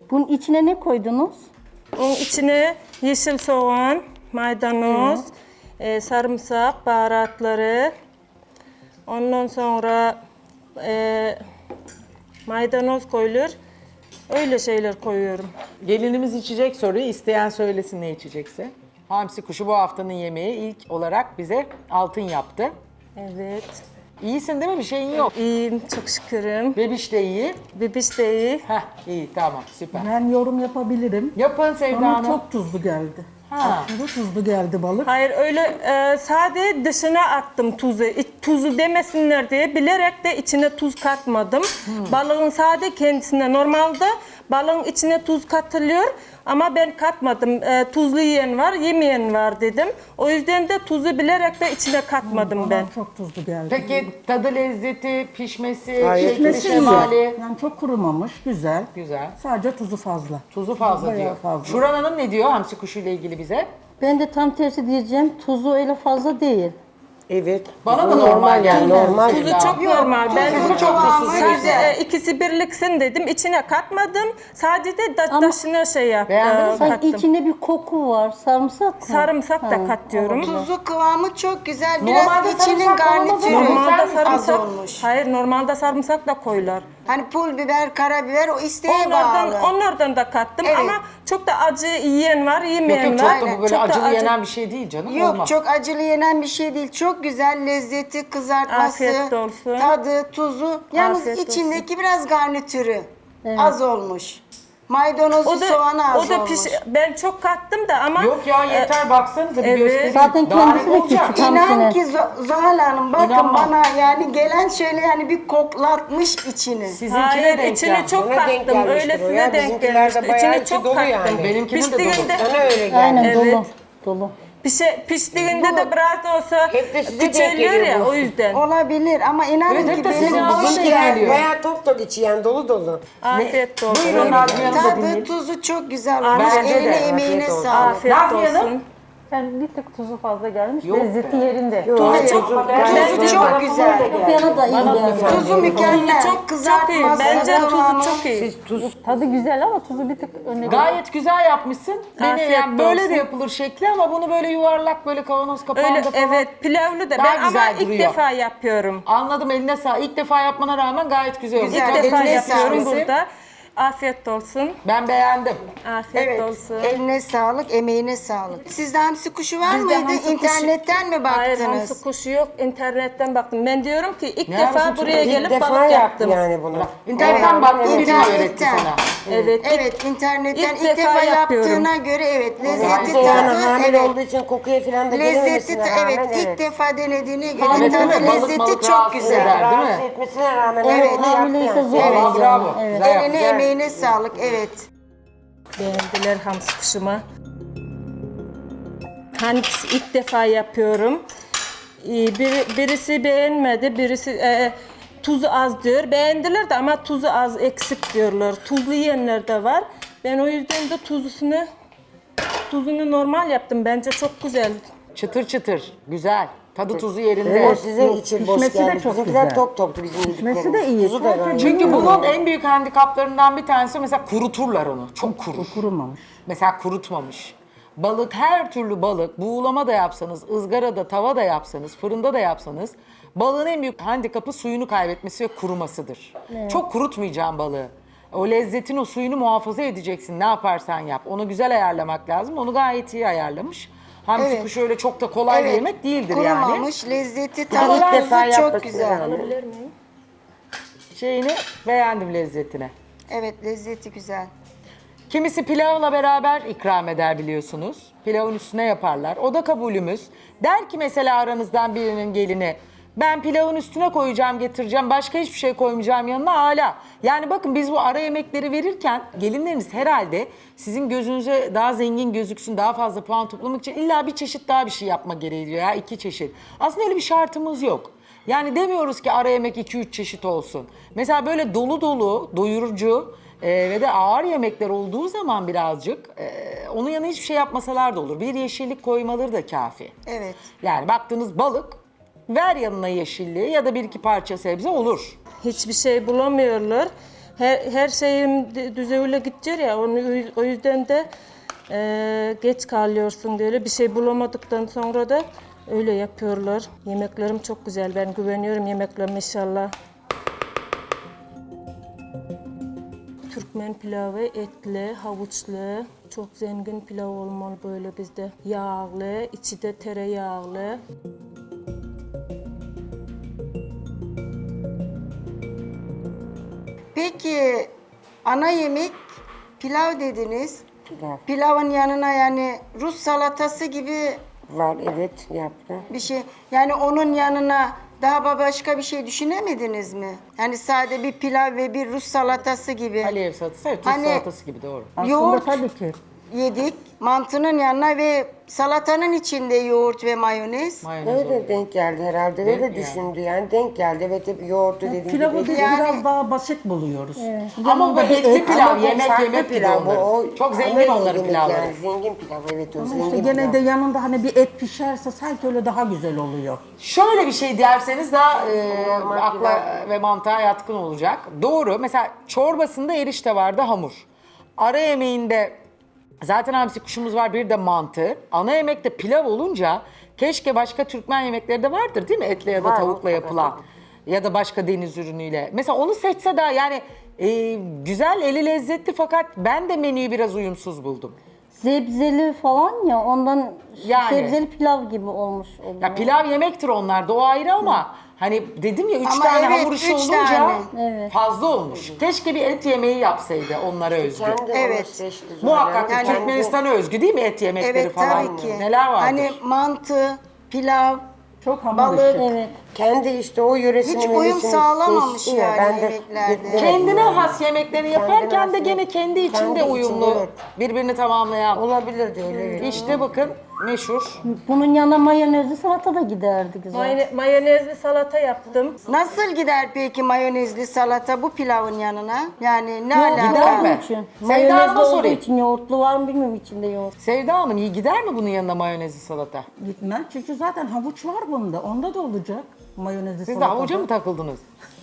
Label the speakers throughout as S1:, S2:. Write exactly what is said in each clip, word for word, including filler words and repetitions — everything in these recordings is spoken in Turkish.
S1: Bunun içine ne koydunuz?
S2: Onun içine yeşil soğan, maydanoz, e, sarımsak, baharatları. Ondan sonra e, maydanoz koyulur. Öyle şeyler koyuyorum.
S3: Gelinimiz içecek soruyu, isteyen söylesin ne içecekse. Hamsi kuşu bu haftanın yemeği ilk olarak bize altın yaptı.
S2: Evet.
S3: İyisin değil mi? Bir şeyin yok.
S2: İyiyim, çok şükürüm.
S3: Bebiş de iyi.
S2: Bebiş de iyi.
S3: Heh, iyi tamam süper.
S4: Ben yorum yapabilirim.
S3: Yapın Sevda
S4: Bana
S3: Hanım.
S4: çok tuzlu geldi.
S3: Ha.
S4: Aşırı tuzlu geldi balık.
S2: Hayır öyle e, sade dışına attım tuzu. İç- tuzu demesinler diye bilerek de içine tuz katmadım. Balığın sade kendisine normalde balığın içine tuz katılıyor ama ben katmadım. E, tuzlu yiyen var, yemeyen var dedim. O yüzden de tuzu bilerek de içine katmadım
S4: Bana
S2: ben.
S4: çok tuzlu geldi.
S3: Peki tadı, lezzeti, pişmesi,
S5: Gayet
S3: şekli,
S4: Pişmesi
S3: şemali.
S4: güzel. Yani çok kurumamış, güzel.
S3: Güzel.
S4: Sadece tuzu fazla.
S3: Tuzu fazla
S4: Bayağı
S3: diyor.
S4: fazla.
S3: Şuran Hanım ne diyor hamsi kuşu ile ilgili bize?
S1: Ben de tam tersi diyeceğim. Tuzu öyle fazla değil.
S5: Evet.
S3: Bana da
S5: Bu
S3: normal yani.
S5: Normal.
S2: Tuzu çok normal. Ben
S3: Tuzu çok tuzsuz.
S2: sadece e, ikisi birliksin dedim. İçine katmadım. Sadece de da,
S1: Ama-
S2: taşına şey yap,
S3: Beğendiniz
S2: e,
S3: mi?
S1: Sanki
S2: kattım.
S1: içinde bir koku var. Sarımsak mı?
S2: Sarımsak da
S1: Ha,
S2: katıyorum.
S6: Tuzu kıvamı çok güzel. Biraz
S3: Normalde
S6: içinin
S3: sarımsak olmaz ama
S6: garnitürü
S3: normal-
S2: Normalde
S6: az
S2: sarımsak,
S6: olmuş.
S2: hayır normalde sarımsak da koyular.
S6: Hani pul biber, karabiber o isteğe
S2: Onlardan,
S6: bağlı.
S2: onlardan da kattım
S6: Evet.
S2: ama çok da acı yiyen var,
S3: Yok
S2: yemeyen
S3: yok çok
S2: var.
S3: da bu böyle
S2: Çok da
S3: acılı
S2: acı-
S3: yenen bir şey değil canım.
S6: Yok
S3: Olmaz.
S6: çok acılı yenen bir şey değil. Çok güzel lezzeti, kızartması,
S2: Afiyet olsun.
S6: tadı, tuzu. Yalnız
S2: Afiyet olsun.
S6: içindeki biraz garnitürü az olmuş. Maydanozu,
S2: O da,
S6: soğanı az
S2: o da
S6: olmuş.
S2: piş, ben çok kattım da ama
S3: Yok ya yeter baksanıza bir
S2: evet.
S3: göstereyim.
S1: Zaten
S3: Daha ne
S1: kendisi de
S3: olacak?
S1: küçük.
S6: İnan
S1: Hamsine.
S6: ki Zo- Zuhal Hanım bakın
S3: İnanmam.
S6: bana yani gelen şöyle yani bir koklatmış içini.
S3: Sizinkine
S2: hayır
S3: denk
S2: içine
S3: geldi.
S2: çok
S5: Ona denk
S2: kattım.
S5: gelmiştir
S2: Öyle
S5: o
S2: size
S5: ya.
S2: denk
S5: Bizimkiler de
S2: gelmiştir.
S5: bayağı
S2: İçine
S5: içi
S2: çok
S5: dolu
S2: kattım.
S5: yani.
S3: Benimkinin de dolu.
S2: Piştiğinde,
S5: Bana öyle geldi.
S1: Aynen
S2: Evet.
S1: dolu. Dolu.
S2: pişe, piştiğinde de biraz da olsa
S5: Hep de size denk
S2: küçülüyor
S5: geliyor
S2: ya
S5: bu.
S2: o yüzden.
S6: Olabilir ama inanın
S3: Evet, hep
S6: ki
S3: de
S6: benim
S3: sizin ağzınıza
S5: Bizimkiler
S3: geliyor.
S5: bayağı top top içi yani dolu dolu.
S2: Afiyet olsun.
S3: Buyurun Nazmiye Hanım da
S6: tadı,
S3: dinleyelim.
S6: tuzu çok güzel olmuş.
S3: Bence de.
S6: Eline emeğine
S5: Afiyet olsun.
S6: sağlık.
S2: Afiyet
S3: Nazmiye Hanım.
S2: olsun.
S7: Yani bir tık tuzu fazla gelmiş.
S3: Yok
S7: Lezzeti yerinde.
S6: Tuzu çok, tuzu çok güzel.
S1: Bana da iyi geldi.
S6: Tuzu mükemmel.
S2: Tuzu çok, çok iyi.
S6: Kızartması,
S2: Bence
S6: kıvamı.
S2: tuzu çok iyi.
S7: Tadı güzel ama tuzu bir tık önüne
S3: Gayet güzel yapmışsın. Beni
S2: Afiyet
S3: yani böyle
S2: olsun.
S3: de yapılır şekli ama bunu böyle yuvarlak böyle kavanoz kapağında
S2: Öyle
S3: falan.
S2: evet pilavlı da
S3: Daha
S2: ben ama
S3: güzel
S2: ilk
S3: duruyor.
S2: defa yapıyorum.
S3: Anladım eline sağ. İlk defa yapmana rağmen gayet güzel olmuş.
S6: Güzel.
S2: İlk defa
S6: eline
S2: yapıyorum
S6: sağlık.
S2: burada. Afiyet olsun.
S3: Ben beğendim.
S2: Afiyet
S6: Evet,
S2: olsun.
S6: eline sağlık, emeğine sağlık. Sizde hamsi kuşu var
S2: Bizde
S6: mıydı?
S2: hamsi kuşu-
S6: İnternetten mi
S2: Hayır
S6: baktınız?
S2: hamsi kuşu yok. İnternetten baktım. Ben diyorum ki ilk
S3: Ne
S2: defa
S3: hamsi
S2: buraya
S3: kuşu?
S5: İlk
S2: gelip
S5: defa
S2: balık
S5: yaptı
S2: yaptım.
S5: yani bunu.
S3: İnternetten
S6: Evet.
S3: baktım biri
S6: İnternetten.
S3: öğretti sana.
S2: Evet. ilk-
S6: Evet, internetten
S2: İlk
S6: ilk,
S2: defa
S6: defa,
S2: yapıyorum.
S6: yaptığına göre evet, lezzeti
S5: Bir de yani
S6: tadı,
S5: hamile
S6: evet.
S5: olduğu için kokuya falan da
S6: Lezzeti
S5: gelememesine
S6: ta-
S5: rağmen
S6: evet, ilk
S5: evet.
S6: defa denediğine göre
S3: Evet,
S6: tadı
S3: değil mi? Balık
S6: lezzeti
S3: malık
S6: çok
S3: rahatsız
S6: güzel.
S3: eder. Değil mi?
S5: Rahatsız etmesine rağmen
S6: Evet.
S5: onu yaptı
S1: Hamileyse
S5: yani.
S1: zor
S6: Evet.
S1: olacak.
S3: Bravo.
S1: Evet.
S3: Güzel yaptın.
S6: Eline emeğine sağlık, evet.
S2: Beğendiler hamsi kuşuma. Hangisi ilk defa yapıyorum. Ee, Bir, birisi beğenmedi, birisi e, tuzu az diyor. Beğendiler de ama tuzu az, eksik diyorlar. Tuzlu yiyenler de var. Ben o yüzden de tuzlusunu, tuzunu normal yaptım. Bence çok güzel.
S3: Çıtır çıtır. Güzel. Tadı tuzu yerinde.
S5: Evet, sizin için boş
S4: pişmesi de
S5: gelmiş.
S4: çok
S5: Bizimkiler
S4: güzel.
S5: top toptu bizim
S4: Pişmesi
S5: yediklerimiz.
S4: de iyi.
S5: Tuzu da
S4: Sadece
S5: gayet.
S3: Çünkü bunun en büyük handikaplarından bir tanesi mesela kuruturlar onu. Çok kurur.
S4: Kurumamış.
S3: Mesela kurutmamış. Balık, her türlü balık, buğulama da yapsanız, ızgarada, tava da yapsanız, fırında da yapsanız balığın en büyük handikapı suyunu kaybetmesi ve kurumasıdır. Çok kurutmayacağım balığı. O lezzetin, o suyunu muhafaza edeceksin ne yaparsan yap. Onu güzel ayarlamak lazım. Onu gayet iyi ayarlamış. Hamsi
S6: Evet.
S3: kuşu öyle çok da kolay bir
S6: Evet,
S3: yemek değildir yani.
S6: kurumamış, lezzeti,
S5: İlk
S6: tadı,
S5: defa
S6: tuzu çok
S5: yapmasına
S6: güzel.
S5: rağmen.
S3: Şeyini beğendim lezzetine.
S6: Evet, lezzeti güzel.
S3: Kimisi pilavla beraber ikram eder biliyorsunuz. Pilavın üstüne yaparlar. O da kabulümüz. Der ki mesela aranızdan birinin gelini ben pilavın üstüne koyacağım, getireceğim. Başka hiçbir şey koymayacağım yanına hala. Yani bakın biz bu ara yemekleri verirken gelinleriniz herhalde sizin gözünüze daha zengin gözüksün, daha fazla puan toplamak için illa bir çeşit daha bir şey yapma gereği duyuyor ya iki çeşit. Aslında öyle bir şartımız yok. Yani demiyoruz ki ara yemek iki üç çeşit olsun. Mesela böyle dolu dolu, doyurucu e, ve de ağır yemekler olduğu zaman birazcık e, onun yanına hiçbir şey yapmasalar da olur. Bir yeşillik koymaları da kafi.
S6: Evet.
S3: Yani baktığınız balık ver yanına yeşilliği ya da bir iki parça sebze olur.
S2: Hiçbir şey bulamıyorlar. Her, her şeyim de- düzeyle gidecek ya, onu, o yüzden de e, geç kalıyorsun böyle. Bir şey bulamadıktan sonra da öyle yapıyorlar. Yemeklerim çok güzel, ben güveniyorum yemeklerime inşallah. Türkmen pilavı etli, havuçlu, çok zengin pilav olmalı böyle bizde. Yağlı, içi de tereyağlı.
S6: Peki ana yemek pilav dediniz.
S5: Pilav.
S6: Pilavın yanına yani Rus salatası gibi
S5: Var, evet, yaptı.
S6: bir şey. Yani onun yanına daha başka bir şey düşünemediniz mi? Yani sade bir pilav ve bir Rus salatası gibi.
S3: Alev salatası, evet, Rus
S6: Hani-
S3: salatası gibi doğru.
S4: Aslında
S6: Yoğurt
S4: tabii ki.
S6: yedik. Mantının yanına ve salatanın içinde yoğurt ve mayonez.
S3: Mayonez
S5: Öyle
S3: oluyor.
S5: denk geldi herhalde,
S3: Denk
S5: öyle
S3: mi
S5: düşündü yani. Denk geldi, evet, hep yoğurdu dediğim
S4: Pilavı
S5: gibi.
S4: biz
S6: Yani-
S4: biraz daha basit buluyoruz.
S3: Ama bu
S4: Yanında bir
S3: etli
S4: et,
S3: pilav,
S5: Ama bu
S3: yemek
S5: farklı
S3: yemek gibi
S5: pilav, bu
S3: onların.
S5: o
S3: Çok zengin
S5: ana
S3: onların
S5: yemek
S3: pilavları.
S5: Yani zengin pilav, evet, o
S4: Ama
S5: zengin
S4: işte
S5: pilav.
S4: gene de yanında hani bir et pişerse sanki öyle daha güzel oluyor.
S3: Şöyle bir şey derseniz daha e,
S5: Normal
S3: akla ve mantığa yatkın olacak. Doğru. Mesela çorbasında erişte vardı, hamur. Ara yemeğinde zaten hamsi kuşumuz var, bir de mantı. Ana yemekte pilav olunca keşke başka Türkmen yemekleri de vardır değil mi? Etle ya da
S5: Var,
S3: tavukla
S5: mutlaka,
S3: yapılan. Ya da başka deniz ürünüyle. Mesela onu seçse daha yani e, güzel, eli lezzetli fakat ben de menüyü biraz uyumsuz buldum.
S1: Zebzeli falan ya ondan
S3: Yani.
S1: sebzeli pilav gibi olmuş oluyor.
S3: Ya pilav yemektir onlar da o ayrı ama hani dedim ya üç
S6: Ama
S3: tane
S6: evet,
S3: hamur işi
S6: üç
S3: olunca
S6: tane.
S3: fazla olmuş. Keşke bir et yemeği yapsaydı onlara özgü.
S5: Kendi
S6: Evet.
S5: onu seçti zaten.
S3: Muhakkak
S6: Yani-
S3: Türkmenistana özgü değil mi et yemekleri
S6: Evet
S3: falan?
S6: tabii ki.
S3: Neler vardır?
S6: Hani mantı, pilav,
S4: Çok hamur
S6: balık.
S4: işi.
S1: Evet.
S5: Kendi işte o yöresini
S6: Hiç uyum
S5: menüsünü
S6: sağlamamış
S5: seçti ya,
S6: yani
S5: ben de
S6: yemeklerde.
S5: beklemedim
S3: Kendine
S5: yani.
S3: has yemeklerini
S5: Kendine
S3: yaparken
S5: has
S3: de gene
S5: yemek.
S3: kendi içinde
S5: Kendi içinde,
S3: uyumlu,
S5: evet.
S3: birbirini tamamlayan.
S5: Olabilirdi öyle. evet.
S3: İşte bakın meşhur.
S1: Bunun yanına mayonezli salata da giderdi güzel.
S2: Mayone- mayonezli salata yaptım.
S6: Nasıl gider peki mayonezli salata bu pilavın yanına? Yani ne
S1: Yoğurtlu
S3: gider
S6: alaka?
S3: mi?
S1: olduğu için.
S3: Sevda
S1: Mayonezli
S3: Hanım'a
S1: olduğu
S3: sorayım.
S1: için yoğurtlu var mı bilmiyorum içinde yoğurt.
S3: Sevda Hanım iyi gider mi bunun yanına mayonezli salata?
S4: Gitmez çünkü zaten havuç var bunda. Onda da olacak. Mayonezli
S3: Siz de
S4: salatada.
S3: havuca mı takıldınız?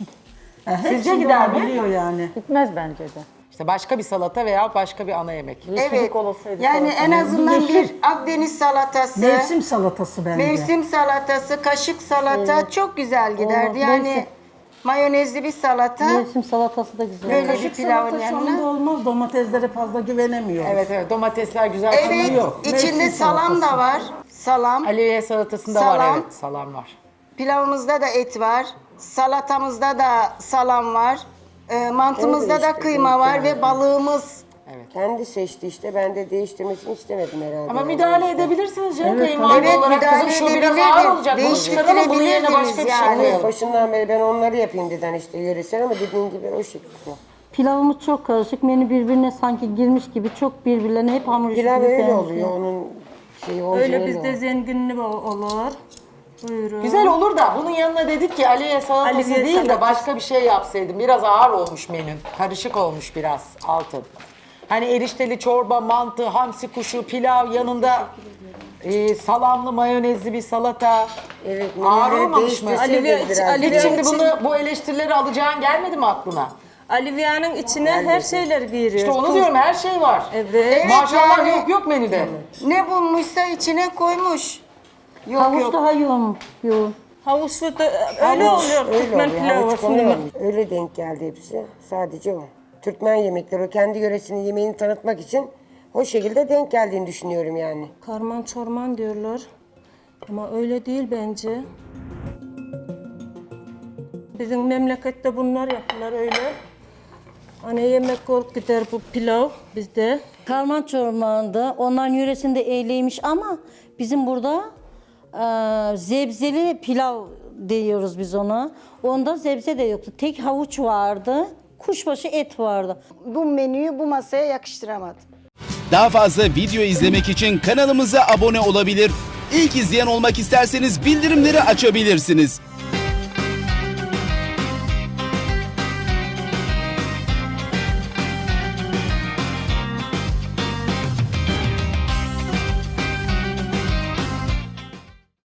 S4: E, hepsinde
S3: Sizce gider mi?
S4: olabiliyor yani.
S7: Gitmez bence de.
S3: İşte başka bir salata veya başka bir ana yemek.
S6: Evet.
S7: Yeşillik olasaydı
S6: Yani
S7: salata.
S6: en azından
S4: yeşil.
S6: bir Akdeniz salatası,
S4: Mevsim salatası bence.
S6: mevsim salatası, kaşık salata çok güzel giderdi.
S1: Olmaz.
S6: Yani
S1: Mevsim.
S6: mayonezli bir salata.
S1: Mevsim salatası da güzel.
S6: Böyle
S4: Kaşık
S6: bir pilavın
S4: salatası
S6: yanına.
S4: onda olmaz. Domateslere fazla güvenemiyoruz.
S3: Evet evet domatesler güzel.
S6: Evet,
S4: yok.
S6: içinde
S4: Mevsim
S6: salam da
S4: salatası.
S6: var. Salam.
S3: Aliye salatasında var
S6: Salam.
S3: evet salam var.
S6: Pilavımızda da et var. Salatamızda da salam var. E, mantımızda
S5: Öyle
S6: da
S5: işte,
S6: kıyma
S5: denk
S6: var
S5: geldi.
S6: ve balığımız.
S5: Kendi seçti işte, ben de değiştirmesini istemedim herhalde.
S3: Ama
S5: yani.
S3: müdahale edebilirsiniz canım
S4: Evet,
S3: kayınvalide
S6: evet,
S3: olarak kızım
S6: müdahale
S3: şu biraz
S6: edebilirdim.
S3: ağır olacak. Bunu çıkaralım bunun yerine başka bir şey
S6: Yani.
S3: koyalım.
S5: Başından beri ben onları yapayım dedin işte yöresel, ama dediğin gibi o şekilde.
S1: Pilavımız çok karışık. Menü birbirine sanki girmiş gibi çok birbirlerine hep hamur işi
S5: Pilav
S1: gibi
S5: öyle
S1: benziyor.
S5: oluyor, onun şeyi orijinali
S2: Öyle bizde
S5: o.
S2: zenginli olur. Buyurun.
S3: Güzel olur da bunun yanına dedik ki Aliye salatası
S2: Aliye
S3: değil de
S2: salatası.
S3: başka bir şey yapsaydım. Biraz ağır olmuş menün. Karışık olmuş biraz altın. Hani erişteli çorba, mantı, hamsi kuşu, pilav yanında e, salamlı mayonezli bir salata.
S5: Evet,
S3: Ağır
S5: menüleri
S3: olmamış mı?
S5: değiştirseydiniz
S2: Aliye-
S5: biraz.
S2: Ali-
S3: Hiç şimdi bunu bu eleştirileri alacağın gelmedi mi aklına?
S2: Alivia'nın içine her şeyler giriyor.
S3: İşte onu
S2: Tuz-
S3: diyorum her şey var.
S2: Evet.
S3: Maşallah
S6: yani-
S3: yok yok menüde.
S6: Ne bulmuşsa içine koymuş. Yok
S1: Havuç
S6: yok.
S1: daha yoğun. yoğun.
S2: Havuçlu da öyle
S5: Havuç,
S2: oluyor
S5: öyle
S2: Türkmen
S5: oluyor,
S2: pilavı
S5: havuç konuyor.
S2: aslında.
S5: Öyle denk geldi hepsi. Sadece o. Türkmen yemekleri, o kendi yöresinin yemeğini tanıtmak için o şekilde denk geldiğini düşünüyorum yani.
S2: Karman çorman diyorlar. Ama öyle değil bence. Bizim memlekette bunlar yapılır öyle. Ana yemek olup gider bu pilav bizde.
S1: Karman çormağında onların yöresinde eyleymiş ama bizim burada e, zebzeli pilav diyoruz biz ona. Onda zebze de yoktu. Tek havuç vardı. Kuşbaşı et vardı.
S6: Bu menüyü bu masaya yakıştıramadım.
S8: Daha fazla video izlemek için kanalımıza abone olabilir. İlk izleyen olmak isterseniz bildirimleri açabilirsiniz.